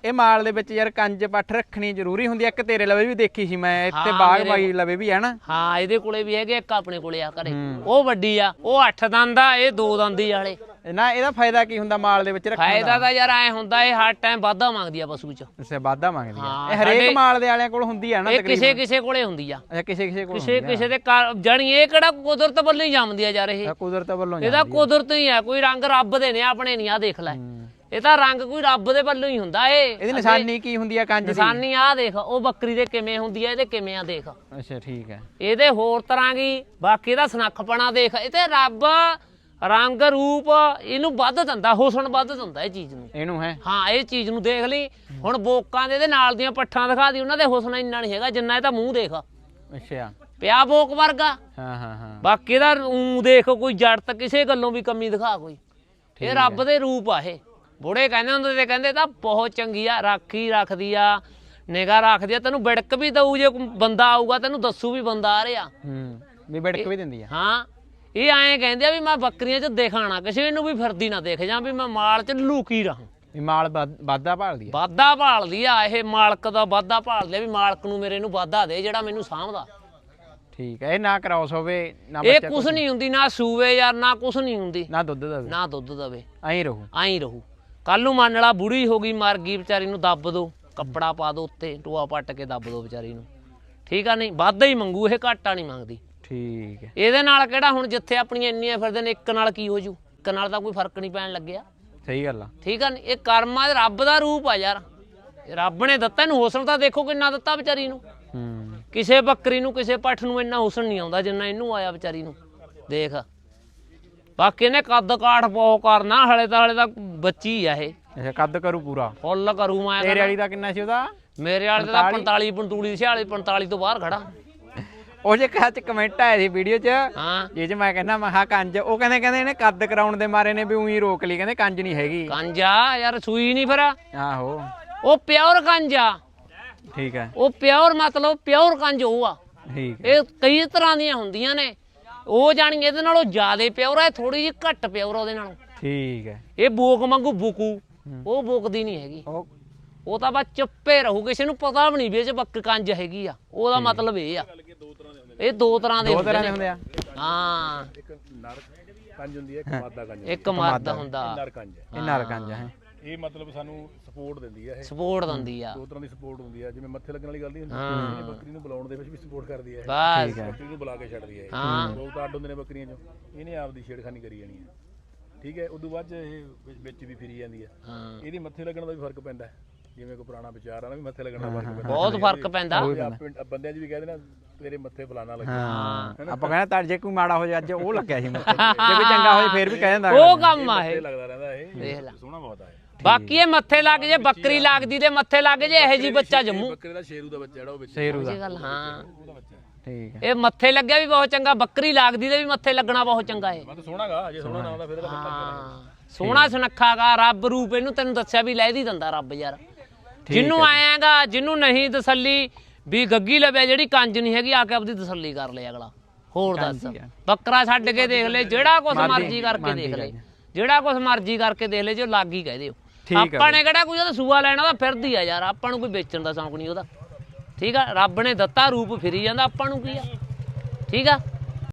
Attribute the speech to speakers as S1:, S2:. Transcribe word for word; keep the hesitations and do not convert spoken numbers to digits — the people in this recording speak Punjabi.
S1: ਇਹ ਮਾਲ ਦੇ ਵਿੱਚ ਯਾਰ ਕੰਜ ਪੱਠ ਰੱਖਣੀ ਜ਼ਰੂਰੀ ਹੁੰਦੀ ਹੈ। ਇੱਕ ਤੇਰੇ ਲਵੇ ਵੀ ਦੇਖੀ ਸੀ ਮੈਂ ਇੱਥੇ ਬਾਗ ਬਾਈ ਲਵੇ ਵੀ ਹੈ ਨਾ।
S2: ਹਾਂ ਇਹਦੇ ਕੋਲੇ ਵੀ ਹੈਗੇ, ਇੱਕ ਆਪਣੇ ਕੋਲੇ ਆ ਘਰੇ। ਉਹ ਵੱਡੀ ਆ, ਉਹ ਅੱਠ ਦੰਦ ਆ, ਇਹ ਦੋ ਦੰਦੀ ਵਾਲੇ
S1: ਨਾ। ਇਹਦਾ ਫਾਇਦਾ ਕੀ ਹੁੰਦਾ ਮਾਲ ਦੇ ਵਿੱਚ ਰੱਖਣ ਦਾ?
S2: ਫਾਇਦਾ ਤਾਂ ਯਾਰ ਐ ਹੁੰਦਾ ਇਹ ਹਰ ਟਾਈਮ ਵਾਧਾ ਮੰਗਦੀ ਆ ਪਸ਼ੂ ਚ।
S1: ਅੱਛਾ ਵਾਧਾ ਮੰਗਦੀ ਆ। ਇਹ ਹਰੇਕ ਮਾਲ ਦੇ ਵਾਲਿਆਂ ਕੋਲ ਹੁੰਦੀ ਆ ਨਾ
S2: ਤਕਰੀਬਨ? ਕਿਸੇ ਕਿਸੇ ਕੋਲੇ ਹੁੰਦੀ ਆ।
S1: ਅੱਛਾ ਕਿਸੇ ਕਿਸੇ ਕੋਲ
S2: ਕਿਸੇ ਕਿਸੇ ਦੇ ਜਾਣੀ ਇਹ ਕਿਹੜਾ ਕੁਦਰਤ ਵੱਲੋਂ ਹੀ ਜੰਮਦੀ ਆ ਯਾਰ। ਇਹ
S1: ਕੁਦਰਤ ਵੱਲੋਂ
S2: ਇਹਦਾ ਕੁਦਰਤ ਹੀ ਆ, ਕੋਈ ਰੰਗ ਰੱਬ ਦੇ ਨੇ ਆਪਣੇ ਨਹੀਂ। ਆ ਦੇਖ ਲੈ ਇਹ ਤਾਂ ਰੰਗ ਕੋਈ ਰੱਬ ਦੇ ਵੱਲੋਂ ਹੀ ਹੁੰਦਾ। ਇਹ
S1: ਇਹਦੀ ਨਿਸ਼ਾਨੀ ਕੀ ਹੁੰਦੀ ਆ ਕੰਜ ਦੀ?
S2: ਨਿਸ਼ਾਨੀ ਆ ਦੇਖ, ਉਹ ਬੱਕਰੀ ਦੇ ਕਿਵੇਂ ਹੁੰਦੀ ਆ, ਇਹਦੇ ਕਿਵੇਂ ਆ ਦੇਖ।
S1: ਅੱਛਾ ਠੀਕ ਹੈ।
S2: ਇਹਦੇ ਹੋਰ ਤਰ੍ਹਾਂ ਦੀ ਬਾਕੀ ਇਹਦਾ ਸਨੱਖਪਣਾ ਦੇਖ। ਇਹ ਤੇ ਰੱਬ ਰੰਗ ਰੂਪ ਇਹਨੂੰ ਵੱਧ ਦਿੰਦਾ, ਹੁਸਨ ਵੱਧ ਦਿੰਦਾ ਇਹ ਚੀਜ਼ ਨੂੰ।
S1: ਇਹਨੂੰ ਹੈ
S2: ਹਾਂ ਇਹ ਚੀਜ਼ ਨੂੰ ਦੇਖ ਲਈ ਹੁਣ ਬੋਕਾਂ ਦੇ ਇਹਦੇ ਨਾਲ ਦੀਆਂ ਪੱਠਾਂ ਦਿਖਾ ਦੀ, ਉਹਨਾਂ ਦੇ ਹੁਸਨ ਇੰਨਾ ਨਹੀਂ ਹੈਗਾ ਜਿੰਨਾ ਇਹਦਾ ਮੂੰਹ ਦੇਖ।
S1: ਅੱਛਾ
S2: ਪਿਆ ਬੋਕ ਵਰਗਾ।
S1: ਹਾਂ ਹਾਂ ਹਾਂ।
S2: ਬਾਕੀ ਇਹਦਾ ਊਂ ਦੇਖ, ਕੋਈ ਜੜਤ ਕਿਸੇ ਗੱਲੋਂ ਵੀ ਕਮੀ ਦਿਖਾ ਕੋਈ। ਇਹ ਰੱਬ ਦੇ ਰੂਪ ਆ। ਇਹ ਬੁੜੇ ਕਹਿੰਦੇ ਹੁੰਦੇ ਤੇ ਕਹਿੰਦੇ ਤਾਂ ਬਹੁਤ ਚੰਗੀ ਆ, ਰਾਖੀ ਰੱਖਦੀ ਆ, ਨਿਗਾਹ ਰੱਖਦੀ ਆ, ਤੈਨੂੰ ਵਿੜਕ ਵੀ ਦਊ। ਜੇ ਕੋਈ ਬੰਦਾ ਆਊਗਾ ਤੈਨੂੰ ਦੱਸੂ ਵੀ ਬੰਦਾ ਆ ਰਿਹਾ।
S1: ਹੂੰ ਵੀ ਵਿੜਕ ਵੀ ਦਿੰਦੀ ਆ।
S2: ਹਾਂ ਇਹ ਐਂ ਕਹਿੰਦੇ ਆ ਵੀ ਮੈਂ ਬੱਕਰੀਆਂ 'ਚ ਦਿਖਾਣਾ, ਕਿਸੇ ਨੂੰ ਵੀ ਫਿਰਦੀ ਨਾ ਦੇਖ ਜਾਂ, ਵੀ ਮੈਂ ਮਾਲ 'ਚ ਲੁਕੀ ਰਹਾਂ।
S1: ਵੀ ਮਾਲ ਵਾਧਾ ਭਾਲਦੀ ਆ।
S2: ਵਾਧਾ ਭਾਲਦੀ ਆ ਇਹ, ਮਾਲਕ ਦਾ ਵਾਧਾ ਭਾਲਦੀ ਆ ਵੀ ਮਾਲਕ ਨੂੰ ਮੇਰੇ ਨੂੰ ਵਾਧਾ ਦੇ ਜਿਹੜਾ ਮੈਨੂੰ ਸਾਂਭਦਾ।
S1: ਠੀਕ ਹੈ। ਇਹ ਨਾ ਕ੍ਰਾਸ ਹੋਵੇ ਨਾ
S2: ਇਹ ਕੁਛ ਨਹੀਂ ਹੁੰਦੀ, ਨਾ ਸੂਵੇ ਯਾਰ, ਨਾ ਕੁਛ ਨਹੀਂ ਹੁੰਦੀ,
S1: ਨਾ ਦੁੱਧ ਦੇਵੇ,
S2: ਨਾ ਦੁੱਧ ਦੇਵੇ,
S1: ਐਂ ਰਹੂ
S2: ਐਂ ਰਹੂ। ਕੱਲ ਨੂੰ ਮੰਨ ਲਾ ਬੁੜੀ ਹੋ ਗਈ, ਮਰ ਗਈ, ਵਿਚਾਰੀ ਨੂੰ ਦੱਬ ਦੋ, ਕੱਪੜਾ ਪਾ ਦੋ ਉੱਤੇ, ਟੋਆ ਪੱਟ ਕੇ ਦੱਬ ਦੋ ਵਿਚਾਰੀ ਨੂੰ। ਠੀਕ ਆ ਨਹੀਂ, ਵਾਧਾ ਹੀ ਮੰਗੂ ਇਹ, ਘਾਟਾ ਨਹੀਂ ਮੰਗਦੀ।
S1: ਠੀਕ ਹੈ।
S2: ਇਹਦੇ ਨਾਲ ਕਿਹੜਾ ਹੁਣ ਜਿੱਥੇ ਆਪਣੀਆਂ ਇੰਨੀਆਂ ਫਿਰਦੇ ਨੇ, ਇੱਕ ਨਾਲ ਕੀ ਹੋ ਜੂ? ਇੱਕ ਨਾਲ ਤਾਂ ਕੋਈ ਫਰਕ ਨਹੀਂ ਪੈਣ ਲੱਗਿਆ।
S1: ਸਹੀ ਗੱਲ ਆ।
S2: ਠੀਕ ਆ, ਇਹ ਕਰਮਾਂ ਦੇ ਰੱਬ ਦਾ ਰੂਪ ਆ ਯਾਰ। ਰੱਬ ਨੇ ਦਿੱਤਾ ਇਹਨੂੰ ਹੁਸਨ, ਤਾਂ ਦੇਖੋ ਕਿੰਨਾ ਦਿੱਤਾ ਵਿਚਾਰੀ ਨੂੰ।
S1: ਹੂੰ
S2: ਕਿਸੇ ਬੱਕਰੀ ਨੂੰ, ਕਿਸੇ ਪੱਠ ਨੂੰ ਇੰਨਾ ਹੁਸਨ ਨਹੀਂ ਆਉਂਦਾ ਜਿੰਨਾ ਇਹਨੂੰ ਆਇਆ ਵਿਚਾਰੀ ਨੂੰ। ਦੇਖ ਬਾਕੀ ਇਹਨੇ ਕੱਦ ਕਾਠ ਬਹੁਤ ਕਰਨਾ, ਹਲੇ ਤਾਂ ਹਲੇ ਤਾਂ ਬੱਚੀ ਆ ਇਹ।
S1: ਅੱਛਾ ਕੱਦ ਕਰੂ ਪੂਰਾ
S2: ਫੁੱਲ ਕਰੂ। ਮੈਂ
S1: ਤੇਰੇ ਵਾਲੀ ਦਾ ਕਿੰਨਾ ਸੀ ਉਹਦਾ?
S2: ਮੇਰੇ ਵਾਲੇ ਦਾ ਪੰਤਾਲੀ ਪੰਤੂਲੀ ਛਿਆਲੀ ਪੰਤਾਲੀ ਤੋਂ ਬਾਹਰ ਖੜਾ।
S1: ਉਹ ਜੇ ਕਹਾ ਚ ਕਮੈਂਟ ਆਏ ਸੀ ਵੀਡੀਓ ਚ,
S2: ਹਾਂ
S1: ਇਹ ਚ ਮੈਂ ਕਹਿੰਦਾ ਮੈਂ ਹਾਂ ਕੰਜ, ਉਹ ਕਹਿੰਦੇ ਕਹਿੰਦੇ ਇਹਨੇ ਕੱਦ ਕਰਾਉਣ ਦੇ ਮਾਰੇ ਨੇ ਵੀ ਉਹੀ ਰੋਕ ਲਈ, ਕਹਿੰਦੇ ਕੰਜ ਨਹੀਂ ਹੈਗੀ।
S2: ਕੰਜਾ ਯਾਰ ਸੂਈ ਨਹੀਂ ਫਿਰ।
S1: ਆਹੋ
S2: ਉਹ ਪਿਓਰ ਕੰਜਾ।
S1: ਠੀਕ ਹੈ।
S2: ਉਹ ਪਿਓਰ ਮਤਲਬ ਪਿਓਰ ਕੰਜ ਉਹ ਆ।
S1: ਠੀਕ
S2: ਇਹ ਕਈ ਤਰ੍ਹਾਂ ਦੀਆਂ ਹੁੰਦੀਆਂ ਨੇ। ਉਹ ਜਾਣੀ ਇਹਦੇ ਨਾਲੋਂ ਜ਼ਿਆਦਾ ਪਿਓਰ ਹੈ, ਥੋੜੀ ਜਿਹੀ ਘੱਟ ਪਿਓਰ ਉਹਦੇ ਨਾਲੋਂ।
S1: ਠੀਕ ਹੈ।
S2: ਇਹ ਬੋਕ ਵਾਂਗੂ ਬੁਕੂ, ਉਹ ਬੋਕਦੀ ਨਹੀਂ ਹੈਗੀ। ਉਹ ਤਾਂ ਬਸ ਚੁੱਪੇ ਰਹੂ, ਕਿਸੇ ਨੂੰ ਪਤਾ ਵੀ ਨਹੀਂ ਵੀ ਇਹ ਚ ਬੱਕ ਕੰਜ ਹੈਗੀ ਆ। ਉਹਦਾ ਮਤਲਬ ਇਹ ਆ, ਇਹ ਦੋ ਤਰ੍ਹਾਂ ਦੇ ਹੁੰਦੇ ਨੇ। ਹਾਂ
S3: ਇੱਕ ਨਰ ਕੰਜ ਹੁੰਦੀ ਹੈ, ਇੱਕ ਮਾਦਾ ਕੰਜ,
S2: ਇੱਕ ਮਰਦ ਹੁੰਦਾ।
S3: ਨਰ ਕੰਜ
S1: ਇਹ ਨਰ ਕੰਜ ਹੈ।
S3: ਇਹ ਮਤਲਬ ਸਾਨੂੰ ਸਪੋਰਟ ਦਿੰਦੀ ਹੈ। ਇਹ
S2: ਸਪੋਰਟ ਦਿੰਦੀ ਆ,
S3: ਦੋ ਤਰ੍ਹਾਂ ਦੀ ਸਪੋਰਟ ਹੁੰਦੀ ਹੈ। ਜਿਵੇਂ ਮੱਥੇ ਲੱਗਣ ਵਾਲੀ ਗੱਲ ਨਹੀਂ ਹੁੰਦੀ, ਇਹ ਬੱਕਰੀ ਨੂੰ ਬੁਲਾਉਣ ਦੇ ਵਿੱਚ ਵੀ ਸਪੋਰਟ ਕਰਦੀ ਹੈ।
S2: ਬਸ
S3: ਬੱਕਰੀ ਨੂੰ ਬੁਲਾ ਕੇ ਛੱਡਦੀ ਹੈ।
S2: ਹਾਂ
S3: ਲੋਕ ਤਾਂ ਅੱਡ ਹੁੰਦੇ ਨੇ ਬੱਕਰੀਆਂ ਚੋਂ, ਇਹਨੇ ਆਪਦੀ ਛੇੜਖਾਨੀ ਕਰੀ ਜਾਣੀ ਹੈ। ਠੀਕ ਹੈ। ਉਦੋਂ ਬਾਅਦ ਇਹ ਵਿੱਚ ਵੀ ਫਿਰੀ ਜਾਂਦੀ ਹੈ। ਇਹਦੀ ਮੱਥੇ ਲੱਗਣ ਦਾ ਵੀ ਫਰਕ ਪੈਂਦਾ। ਜਿਵੇਂ ਕੋਈ ਪੁਰਾਣਾ ਵਿਚਾਰ ਆ ਨਾ ਵੀ ਮੱਥੇ ਲੱਗਣ ਦਾ ਫਰਕ ਪੈਂਦਾ,
S2: ਬਹੁਤ ਫਰਕ ਪੈਂਦਾ।
S3: ਬੰਦਿਆਂ 'ਚ ਵੀ ਕਹਿੰਦੇ ਨਾ ਤੇਰੇ ਮੱਥੇ ਫਲਾਣਾ ਲੱਗਿਆ।
S1: ਹਾਂ ਆਪਾਂ ਕਹਿੰਦੇ ਤਾਂ ਜੇ ਕੋਈ ਮਾੜਾ ਹੋ ਜਾ, ਅੱਜ ਉਹ ਲੱਗਿਆ ਸੀ ਮੱਥੇ, ਜੇ ਕੋਈ ਚੰਗਾ ਹੋ ਜਾ ਫੇਰ ਵੀ ਕਹਿ ਦਿੰਦਾ
S2: ਉਹ ਕੰਮ ਆ ਇਹ।
S3: ਲੱਗਦਾ ਰਹਿੰਦਾ ਇਹ,
S2: ਦੇਖ ਲੈ
S3: ਸੋਹਣਾ ਬਹੁਤ ਆ।
S2: ਬਾਕੀ ਇਹ ਮੱਥੇ ਲੱਗ ਜੇ, ਬੱਕਰੀ ਲੱਗਦੀ ਤੇ ਮੱਥੇ ਲੱਗ ਜੇ, ਇਹੋ ਜੀ ਬੱਚਾ ਜੰਮੂ।
S3: ਬੱਕਰੇ ਦਾ ਸ਼ੇਰੂ ਦਾ ਬੱਚਾ ਜਿਹੜਾ ਉਹ ਵਿੱਚ
S1: ਸ਼ੇਰੂ ਦਾ।
S2: ਗੱਲ ਹਾਂ
S3: ਉਹਦਾ ਬੱਚਾ।
S1: ਠੀਕ ਹੈ।
S2: ਇਹ ਮੱਥੇ ਲੱਗਿਆ ਵੀ ਬਹੁਤ ਚੰਗਾ, ਬੱਕਰੀ ਲੱਗਦੀ ਤੇ ਵੀ ਮੱਥੇ ਲੱਗਣਾ ਬਹੁਤ ਚੰਗਾ ਹੈ।
S3: ਮੈਂ ਤਾਂ ਸੋਹਣਾਗਾ, ਜੇ ਸੋਹਣਾ ਨਾ ਹੁੰਦਾ ਫਿਰ ਇਹਦਾ
S2: ਹਾਂ ਸੋਹਣਾ ਸੁਨੱਖਾਗਾ, ਰੱਬ ਰੂਪ ਇਹਨੂੰ ਤੈਨੂੰ ਦੱਸਿਆ ਵੀ ਲੈ ਦੀ ਦਿੰਦਾ ਰੱਬ ਯਾਰ। ਜਿਹਨੂੰ ਆਏਗਾ, ਜਿਹਨੂੰ ਨਹੀਂ ਤਸੱਲੀ ਵੀ ਗੱਗੀ ਲਵਿਆ ਜਿਹੜੀ ਕੰਜ ਨਹੀਂ ਹੈਗੀ, ਆ ਕੇ ਆਪਦੀ ਤਸੱਲੀ ਕਰ ਲੈ ਅਗਲਾ। ਹੋਰ ਦੱਸ, ਬੱਕਰਾ ਛੱਡ ਕੇ ਦੇਖ ਲੈ, ਜਿਹੜਾ ਕੁਛ ਮਰਜ਼ੀ ਕਰਕੇ ਦੇਖ ਲੈ, ਜਿਹੜਾ ਕੁਛ ਮਰਜ਼ੀ ਕਰਕੇ ਦੇਖ ਲੈ, ਜੇ ਲੱਗ ਹੀ ਕਹਿ ਦਿਓ। ਆਪਾਂ ਨੇ ਕਿਹੜਾ ਕੋਈ ਉਹਦਾ ਸੂਆ ਲੈਣਾ, ਉਹਦਾ ਫਿਰਦੀ ਆ ਯਾਰ। ਆਪਾਂ ਨੂੰ ਕੋਈ ਵੇਚਣ ਦਾ ਸ਼ੌਂਕ ਨਹੀਂ ਉਹਦਾ। ਠੀਕ ਆ, ਰੱਬ ਨੇ ਦਿੱਤਾ ਰੂਪ ਫਿਰੀ ਜਾਂਦਾ, ਆਪਾਂ ਨੂੰ ਕੀ ਆ। ਠੀਕ ਆ।